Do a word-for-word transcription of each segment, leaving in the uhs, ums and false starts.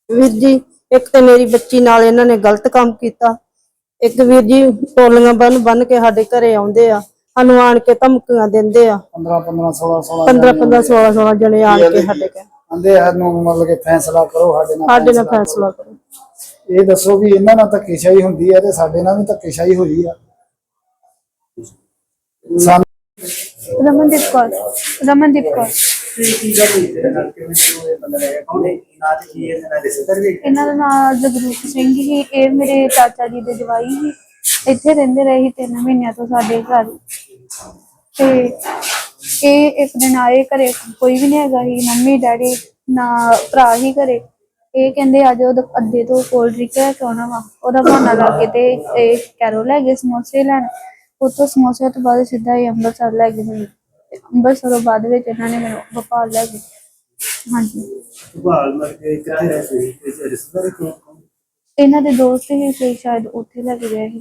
ਵੀਰ ਜੀ ਇੱਕ ਤੇ ਮੇਰੀ ਬੱਚੀ ਨਾਲ ਇਹਨਾਂ ਨੇ ਗਲਤ ਕੰਮ ਕੀਤਾ। ਇੱਕ ਵੀਰ ਜੀ ਟੋਲੀਆਂ ਬੰਨ ਬੰਨ ਕੇ ਸਾਡੇ ਘਰੇ ਆਉਂਦੇ ਆ, ਸਾਨੂੰ ਆਣ ਕੇ ਧਮਕੀਆਂ ਦਿੰਦੇ ਆ। ਪੰਦਰਾਂ ਪੰਦਰਾਂ सोलह सोलह ਪੰਦਰਾਂ ਪੰਦਰਾਂ सोलह सोलह ਜਣੇ ਆਣ ਕੇ ਸਾਡੇ ਘਰ ਆਂਦੇ ਆ ਨੂੰ ਮਤਲਬ ਕਿ ਫੈਸਲਾ ਕਰੋ ਸਾਡੇ ਨਾਲ ਸਾਡੇ ਨਾਲ ਫੈਸਲਾ ਕਰੋ। ਇਹ ਦੱਸੋ ਵੀ ਇਹਨਾਂ ਨਾਲ ਧੱਕੇਸ਼ਾਹੀ ਹੁੰਦੀ ਹੈ ਤੇ ਸਾਡੇ ਨਾਲ ਵੀ ਧੱਕੇਸ਼ਾਹੀ ਹੋਈ ਆ। ਰਮਨਦੀਪ ਕੌਰ ਰਮਨਦੀਪ ਕੌਰ ਇਹਨਾਂ ਦਾ ਨਾਮ ਜਗਰੂਪ ਸਿੰਘ ਹੀ। ਇਹ ਮੇਰੇ ਚਾਚਾ ਜੀ ਦੇ ਜਵਾਈ ਸੀ। ਇੱਥੇ ਰਹਿੰਦੇ ਰਹੇ ਸੀ ਤਿੰਨ ਮਹੀਨਿਆਂ ਤੋਂ ਸਾਡੇ ਘਰ। ਤੇ ਇਹ ਇੱਕ ਦਿਨ ਆਏ ਘਰੇ, ਕੋਈ ਵੀ ਨਹੀਂ ਹੈਗਾ ਸੀ, ਮੰਮੀ ਡੈਡੀ ਨਾ ਭਰਾ ਹੀ ਘਰੇ। ਇਹ ਕਹਿੰਦੇ ਅੱਜ ਉਹ ਅੱਡੇ ਤੋਂ ਕੋਲਡ ਡਰਿੰਕ ਲੈ ਕੇ ਆਉਣਾ ਵਾ। ਉਹਦਾ ਬਹਾਨਾ ਲਾ ਕੇ ਤੇ ਇਹ ਕੈਰੋ ਲੈ ਗਏ ਸਮੋਸੇ ਲੈਣ। ਉੱਥੋਂ ਸਮੋਸੇ ਤੋਂ ਬਾਅਦ ਸਿੱਧਾ ਹੀ ਅੰਮ੍ਰਿਤਸਰ ਲੈ ਗਏ ਮੈਨੂੰ। ਅੰਮ੍ਰਿਤਸਰੋਂ ਬਾਅਦ ਵਿੱਚ ਇਹਨਾਂ ਨੇ ਮੈਨੂੰ ਭੋਪਾਲ ਲੈ ਗਏ। ਹਾਂਜੀ ਇਹਨਾਂ ਦੇ ਦੋਸਤ ਹੀ ਸੀ, ਸ਼ਾਇਦ ਉੱਥੇ ਲੈ ਕੇ ਗਏ ਸੀ।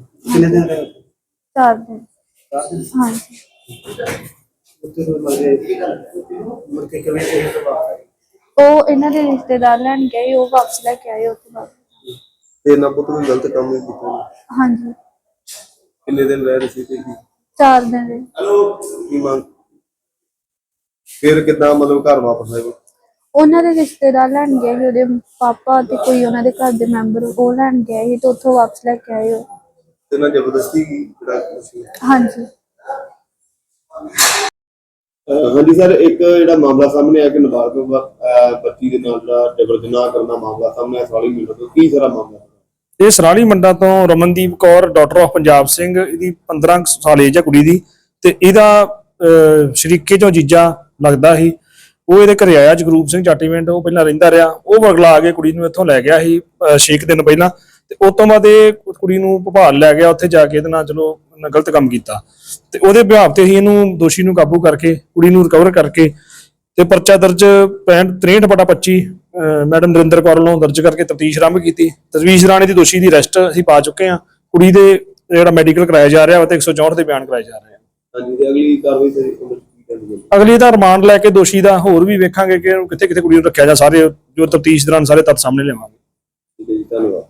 ਚਾਰ ਦਿਨ ਹਾਂਜੀ। ਉਹ ਇਹਨਾਂ ਦੇ ਰਿਸ਼ਤੇਦਾਰ ਲੈਣ ਗਏ, ਉਹ ਵਾਪਸ ਲੈ ਕੇ ਆਏ ਉੱਥੇ ਬਾਅਦ। ਤੇ ਨਾ ਪੁੱਤ ਕੋਈ ਗਲਤ ਕੰਮ ਨਹੀਂ ਕੀਤਾ। ਹਾਂਜੀ ਕਿੰਨੇ ਦਿਨ ਰਹਿ ਰਹੇ ਸੀ ਤੇ ਕੀ ਚਾਰ ਦਿਨ ਰਹੇ। ਕੀ ਮੰਗ ਫਿਰ ਕਿੱਦਾਂ ਮਤਲਬ ਘਰ ਵਾਪਸ ਆਏ? ਉਹਨਾਂ ਦੇ ਰਿਸ਼ਤੇਦਾਰ ਲੈਣ ਗਏ ਸੀ, ਉਹਦੇ ਪਾਪਾ ਤੇ ਕੋਈ ਉਹਨਾਂ ਦੇ ਘਰ ਦੇ ਮੈਂਬਰ, ਉਹ ਲੈਣ ਗਏ ਸੀ ਤੇ ਉੱਥੋਂ ਵਾਪਸ ਲੈ ਕੇ ਆਏ ਉਹ। ਤੇ ਨਾ ਜ਼ਬਰਦਸਤੀ ਕੀ ਜਿਹੜਾ? ਹਾਂਜੀ ਹਾਂਜੀ ਸਰ, ਇੱਕ ਜਿਹੜਾ ਮਾਮਲਾ ਸਾਹਮਣੇ ਆਇਆ ਕਿ ਨਾਬਾਲਗ ਬੱਚੀ ਦੇ ਨਾਲ ਜਿਹੜਾ ਜਬਰ ਜਨਾਹ ਕਰਨ ਦਾ ਮਾਮਲਾ ਸਾਹਮਣੇ ਆਇਆ ਸਰਾਲੀ ਮੰਡਾ ਤੋਂ, ਕੀ ਸਾਰਾ ਮਾਮਲਾ? ਇਹ ਸਰਾਲੀ ਮੰਡਾ ਤੋਂ ਰਮਨਦੀਪ ਕੌਰ ਡਾਕਟਰ ਆਫ ਪੰਜਾਬ ਸਿੰਘ, ਇਹਦੀ ਪੰਦਰਾਂ ਸਾਲ ਏਜ ਹੈ ਕੁੜੀ ਦੀ। ਤੇ ਇਹਦਾ ਸ਼ਰੀਕੇ ਚੋਂ ਜੀਜਾ ਲੱਗਦਾ ਸੀ, ਉਹ ਇਹਦੇ ਘਰੇ ਆਇਆ ਜਗਰੂਪ ਸਿੰਘ ਚਾਟੀਵਿੰਡ। ਉਹ ਪਹਿਲਾਂ ਰਹਿੰਦਾ ਰਿਹਾ, ਉਹ ਵਰਗਲਾ ਕੇ ਕੁੜੀ ਨੂੰ ਇੱਥੋਂ ਲੈ ਗਿਆ ਸੀ ਛੇ ਕੁ ਦਿਨ ਪਹਿਲਾਂ। ਤੇ ਉਸ ਤੋਂ ਬਾਅਦ ਇਹ ਕੁੜੀ ਨੂੰ ਭੋਪਾਲ ਲੈ ਗਿਆ, ਉੱਥੇ ਜਾ ਕੇ ਇਹਦੇ ਨਾਲ ਚਲੋ ਗਲਤ ਕੰਮ ਕੀਤਾ। ਤੇ ਉਹਦੇ ਬਿਹਾਵ ਤੇ ਹੀ ਇਹਨੂੰ ਦੋਸ਼ੀ ਨੂੰ ਕਾਬੂ ਕਰਕੇ ਕੁੜੀ ਨੂੰ ਰਿਕਵਰ ਕਰਕੇ ਤੇ ਪਰਚਾ ਦਰਜ ਪੈਂਹਠ ਤਰੇਹਠ ਬਟਾ ਪੱਚੀ ਮੈਡਮ ਨਰਿੰਦਰ ਕੌਰ ਵੱਲੋਂ ਦਰਜ ਕਰਕੇ ਤਫਤੀਸ਼ ਆਰੰਭ ਕੀਤੀ। ਤਜਵੀਜ਼ ਰਾਣੇ ਦੀ ਦੋਸ਼ੀ ਦੀ ਅਰੈਸਟ ਅਸੀਂ ਪਾ ਚੁੱਕੇ ਹਾਂ। ਕੁੜੀ ਦੇ ਜਿਹੜਾ ਮੈਡੀਕਲ ਕਰਾਇਆ ਜਾ ਰਿਹਾ ਤੇ ਇੱਕ ਸੌ ਚੌਂਹਠ ਦੇ ਬਿਆਨ ਕਰਾਏ ਜਾ ਰਹੇ ਆ। ਹਾਂਜੀ, ਤੇ ਅਗਲੀ ਕਾਰਵਾਈ ਸਰ ਅਗਲੀ ਦਾ ਰਿਮਾਂਡ ਲੈ ਕੇ ਦੋਸ਼ੀ ਦਾ ਹੋਰ ਵੀ ਵੇਖਾਂਗੇ ਕਿ ਕਿੱਥੇ ਕਿੱਥੇ ਕੁੜੀ ਨੂੰ ਰੱਖਿਆ ਜਾ। ਸਾਰੇ ਜੋ ਤਫਤੀਸ਼ ਦੌਰਾਨ ਸਾਰੇ ਤੱਥ ਸਾਹਮਣੇ ਲਿਆਵਾਂਗੇ। ਠੀਕ ਹੈ ਜੀ, ਧੰਨਵਾਦ।